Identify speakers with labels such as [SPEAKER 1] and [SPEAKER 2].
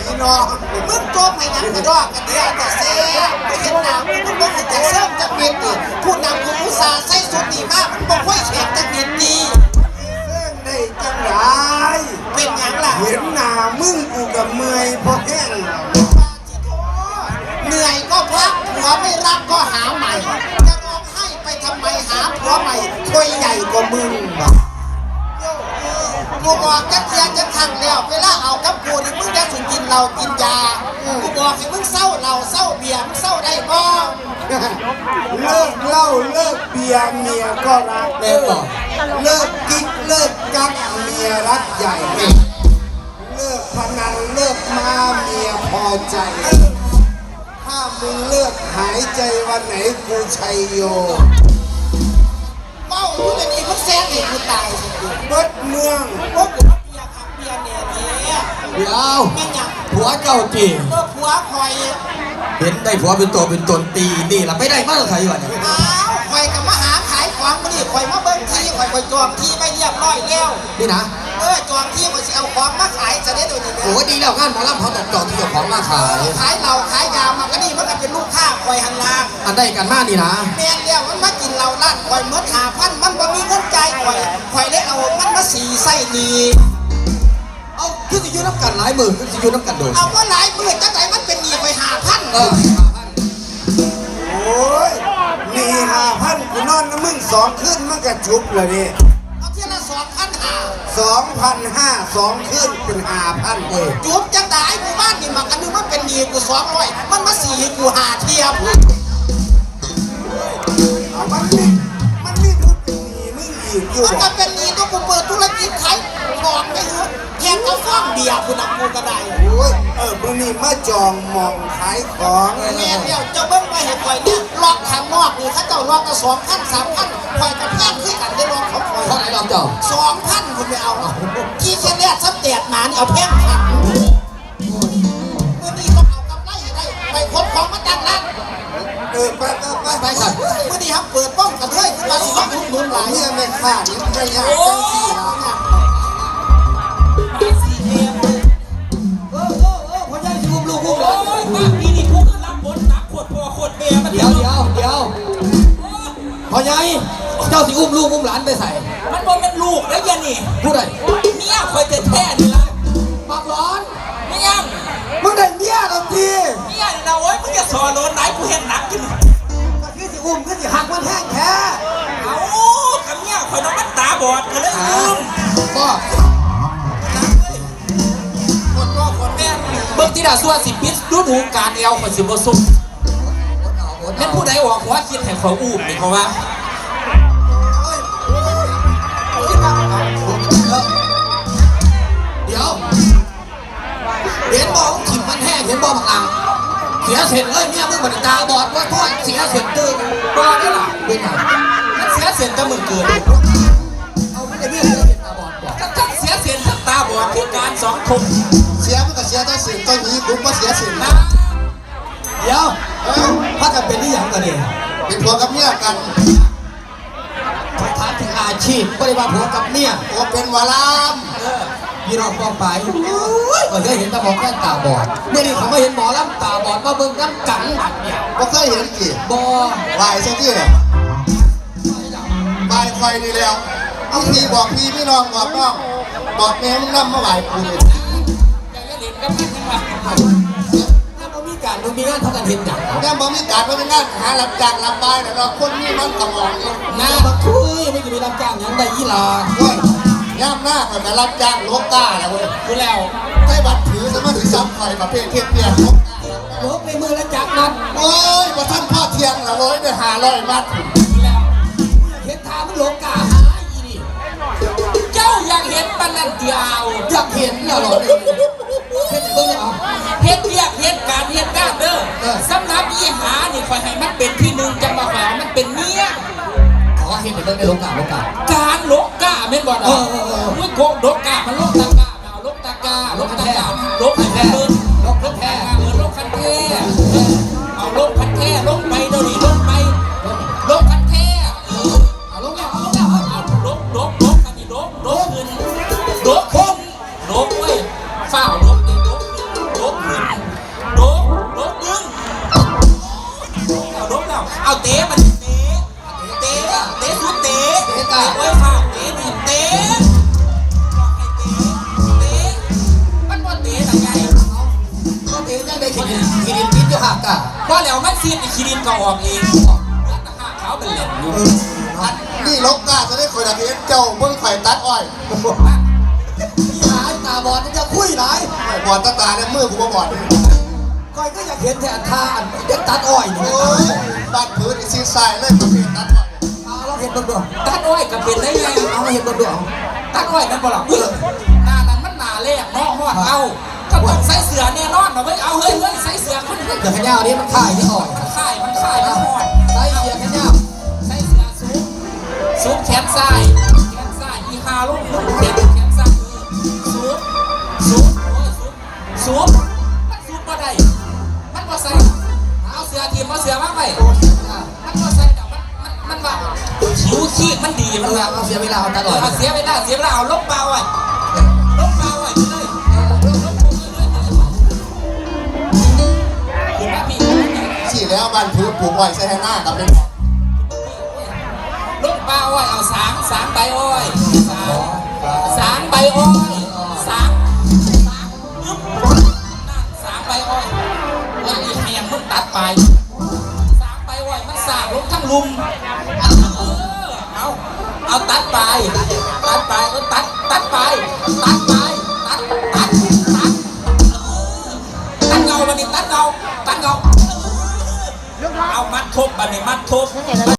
[SPEAKER 1] น้องมึงโจมให้ยังกระดอกกันเดียวแต่เสียไม่เห็นหนาวมึงต้องเห็นแต่เสริมจะเปลี่ยนดิผู้นำคุณอุตสาห์ใส่สุดดีมากมึงบอกว่าแขกจะเปลี่ยนดี
[SPEAKER 2] เส้นได้จังไร
[SPEAKER 1] เป็นยังล่ะ
[SPEAKER 2] เห็นหน้ามึงกูกับเมื่อยเพราะแห้ง
[SPEAKER 1] เหนื่อยก็พักผัวไม่รักก็หาใหม่จะร้องไห้ไปทำไมหาผัวใหม่คุยใหญ่กว่ามึงกูบอกจะเทียนจะทังแล้วเวลาเอากับกูนี่มึงจะสุกินเหล้ากินยากูบอกให้มึงเศร้าเหล้าเศร้าเบียร์มึงเศร้าได้บ้าง
[SPEAKER 2] เลิกเหล้าเลิกเบียร์เมียก็รักเลิกกิ๊กเลิกกักเมียรักใหญ่เลิกพนันเลิกมาเมียพอใจถ้ามึงเลิกหายใจวันไหนกูชัยโย
[SPEAKER 1] เมาอยู่ในนี้มึงแซงเองกูตายสิ
[SPEAKER 2] เบิดเมือง
[SPEAKER 1] พวกกูเบียร์ครับเบียร์เนี่ย
[SPEAKER 3] เดี๋ยว
[SPEAKER 1] แม่ยัง
[SPEAKER 3] ผัวเจ้าตี
[SPEAKER 1] ผัวคอย
[SPEAKER 3] เห็นได้ผัวเป็นตัวเป็นตนตีนี่ล่ะไม่ได้มาใครวะเนี่ย
[SPEAKER 1] อ้าวคอยกับมาหาขายของมาดิคอยมาเบิ้งที่คอยจองที่ไม่เรียบร้อยแล้ว
[SPEAKER 3] นี่นะ
[SPEAKER 1] จองที่คอยจะเอาของมาขายจะได้ตัวนี้
[SPEAKER 3] โอ้ดีแล้วงานหมอลำเขาต้องจองที่เอาของมาขาย
[SPEAKER 1] ขายเหล้าขายยามันก็นี่มันก็เป็นลูกค้าคอยหันลา
[SPEAKER 3] อันได้กันมากนี่นะ
[SPEAKER 1] แม่เดียวมันมากินเหล้าล้านคอยเมื่อ5,000มันบ่มีเงินจ่ายคอยได้เอามันมาสีไส้ดี
[SPEAKER 3] เอาคือสิยูน้ำกันหลายหมื่นคือสิยูน้ำกันโดน
[SPEAKER 1] เอาว่าหลายหมื่นจังไหนมันเป็นหนี้ไป5,000
[SPEAKER 2] โอ้ยหนี้5,000กูนอนน้ำมึง2 คืนมันก็จุบเลยนี่
[SPEAKER 1] เอาเที่ยวละ
[SPEAKER 2] 2,500 2 คืนเป็น5,000
[SPEAKER 1] จุบจังไหนหมู่บ้านนี่มันกันนึงมันเป็นหนี้กู200มันมาสีกู5เที่ยว
[SPEAKER 2] มันมีพูดเป็นหนี้มึงอีกอยู่
[SPEAKER 1] มันก็เป็นหนี้ตัวกูเปิดธุรกิจขายของไปเถอะแค่กระฟ้องเบียร์กูนับกูก็ได้
[SPEAKER 2] โอ้ยมึงนี่มาจองมองขายของ
[SPEAKER 1] แม่เดียวจะเบิ้งไปเห็นคอยเนี่ยล็อกข้างนอกนี่เขาเจ้าล็อกกัน2,000 3,000คอยกับแพงขึ้นกันได้ล็อกเขาคอย
[SPEAKER 3] เท่าไหร่ล็อกเจ้า
[SPEAKER 1] 2,000คุณไม่เอาที่เชนเลียสเตียดหมานี่เอาแพงขัดเมื่อนี้ต้องเอากำไรให้ได้ไปขนของมาดังนั้น
[SPEAKER 2] ไป
[SPEAKER 3] สัตว์
[SPEAKER 1] เมื่อนี้ครับเปิดป้องกันด้วยคือมาสิต้องลุ้นหลาย
[SPEAKER 2] เนี่ยไม่ขาดนี่ไม่ยากจังสิ
[SPEAKER 3] พ่อใหญ่สิอุ้มลูกอุ้มหลาน
[SPEAKER 4] โอ้ยบ้านพี่นี่ทุกข์รับบนตักขวดพ่อขวดแม่มัน
[SPEAKER 3] เดี๋ยวพ่อใหญ่เจ้าสิอุ้มลูกอุ้มหลานไปใส่
[SPEAKER 4] มันบ่เป็นลูกแล้วยันนี่
[SPEAKER 3] ผู้ใด
[SPEAKER 4] เมียคอยจะแท้นี่ละ
[SPEAKER 3] ปากร้อน
[SPEAKER 4] ไม่ยัง
[SPEAKER 2] มึงได้เมียแล้วที
[SPEAKER 4] เมียนี่นะโอ้ยมึงจะสอนโดนไหนกูเห็นหนักขึ้น
[SPEAKER 2] ก็คือสิอุ้มก็สิหักมันแห้งแท้
[SPEAKER 4] เอากับเมียคอยน้องมันตาบอดกันเลย
[SPEAKER 3] ก็
[SPEAKER 4] คนพ่อคนแม่เบิ่งที่ดาส่วนสิปิดดูการเอวคนสิบ่สุกเป็นผู้ใดออกหัวคิดให้เขาอุ้มนี่เขาว่า
[SPEAKER 3] เดี๋ยวเห็นบอกขิมมันแห้งเห็นบอกผักอ่างเสียเสร็จเลยเนี่ยมึงมันตาบอดว่าท้อเสียเสร็จตื่นบอดได้หรอเป็นไง
[SPEAKER 4] มันเสียเสร็จจะมึงเกิด
[SPEAKER 3] เอาไม่ได้เบี้ยเสียตาบอดบอก
[SPEAKER 4] ทั้งเสียเสร็จทั้งตาบอดคือการ2 คน
[SPEAKER 1] เสียมันก็เสียได้สิเจ้าหนี้กูก็เสียสินะ
[SPEAKER 3] เดี๋ยวถ้ากันเป็นที่อย่างกันเนี่ย
[SPEAKER 1] เป็นผัวกับเมียกัน
[SPEAKER 3] ถามถึงอาชีพไม่ได้ว่าผัวกับเมีย
[SPEAKER 1] ผัวเป็นวาลาม
[SPEAKER 3] พี่น้องฟ้องไปก็เคยเห็นตาบอดแค่ตาบอดเมื่อนี้เขาไม่เห็นหมอลำตาบอดมาเบิ่งน้ำกังเนี่ย
[SPEAKER 1] ก็เคยเห็นกี่
[SPEAKER 3] บอ
[SPEAKER 1] วายซะที่เนี่ยวายคอยนี่แล้วเอาพี่บอกพี่พี่น้องบอกน้องบอกแม่มึงนั่งมาไหวกูเลย
[SPEAKER 4] อย่าเล่นกับมันมา
[SPEAKER 3] ถ้ามีการมีงานเท่ากันเห็นอย่าง
[SPEAKER 1] แม่บอกมีการว่าเป็นงานหารับจ้างรับบายแต่เราคนนี้มันกระมองอยู่
[SPEAKER 3] น้าบักคุยไม่จะมีรับจ้างอย่างใดยี่ลา
[SPEAKER 1] ย่ำหน้าก็จะรับจ้างลกกาแล้วเว้ย
[SPEAKER 4] ดูแล้ว
[SPEAKER 1] ใช้บัตรถือสมัครซ้ำคอยประเภทเทียบเทียบ
[SPEAKER 3] ลกในมือแล้วจับนัด
[SPEAKER 1] โอ้ยมาท่านพ่อเทียงละโว้ยได้500 มัด
[SPEAKER 3] เห็นทามันลกกาหาอีนี่
[SPEAKER 4] เจ้าอยากเห็นปนันเดียว
[SPEAKER 3] อยากเห็นเหรอเห็นเบิ่งเอา
[SPEAKER 4] เฮ็ดเรียกเฮ็ดการเฮ็ดงานเด้อสำนักอีหานี่คอยให้มันเป็นที่1จะมาขอมันเป็นเมีย
[SPEAKER 3] เห็นเบิ่งในลกกา
[SPEAKER 4] การลกกาแม่นบ่ล่ะมึงโกงลกกามันลกตากาเอาลกตากาลกตากาลกคันแท้ลกแท้ลกคันแท้เอาลกคันแท้ลกไปเดี๋ยวนี้ลกไปลกคันแท้
[SPEAKER 3] เอาลกแล้ว
[SPEAKER 4] เอาลกกันนี่ลกขึ้นลกเว้ยฝ้าวลกนี่ลก
[SPEAKER 3] หากะ
[SPEAKER 4] ว่าแล้วมันซีดอีกขีดินก็ออกเองตะหากเขาเป็นเหล็กอยู่
[SPEAKER 1] อันนี่ลกกาจะได้คอยดักเห็นเจ้าเบิ่งข่อยตัดอ้อย
[SPEAKER 3] ที่หายตาบอดมันจะคุยหลาย
[SPEAKER 1] บอดตาเนี่ยมือกูบ่บอด
[SPEAKER 3] คอยก็อยากเห็นแทนท่าอันเด็กตัดอ้อยนี่
[SPEAKER 1] โอ้ยบ้านพื้นซีทรายเลยประเภทตัดอ้อย
[SPEAKER 3] เราเห็นเบิ่งดู
[SPEAKER 4] ตัดอ้อยกับเป็นได้ไง
[SPEAKER 3] เอาเห็นเบิ่งดู
[SPEAKER 4] ตัดอ้อยนั่นบ่ล่ะอุ้ยหน้านั้นมันหน้าแรกเนาะฮอดเอาก็ต้องใส่เสื้อแน่นอนเนาะเว้ยเอาเฮ้ยใส่เสื้อคนนี้
[SPEAKER 3] เดี๋ยวขย้าวนี้มันข่ายที่อ่อย
[SPEAKER 4] มันค่ายมันฮอด
[SPEAKER 3] ใส่เสียขย้าว
[SPEAKER 4] ใส่เสื้อสูบแขนซ้ายอีฮาลูกแขนซ้ายสูบโอ้ยสูบมันสูบบ่ได้มันบ่ใส่เอาเสื้อทีมเอาเสื้อมาไว้มันบ่ใส่ดอกมันว่าผิวขี้มันดีมันว่า
[SPEAKER 3] เอาเสียเวลาเอาตาอ่อย
[SPEAKER 4] เอาเสียเวลาเอาลบเบาไว้ลบเบาไว้ไปเลยคุณมาพี่
[SPEAKER 1] สี่แล้วบ้านพื้นปลูกอ้อยใส่ให้หน้ากับเป็น
[SPEAKER 4] ลบเบาไว้เอาสางใบอ้อยสางใบอ้อยสางใบอ้อยไอ้แหงมึงตัดไปสางใบอ้อยมันสางลงทั้งลุมเอาตัดไปตัดไปตัดเงาบันนี้ตัดเงาเอามัดทบบันนี้มัดทบ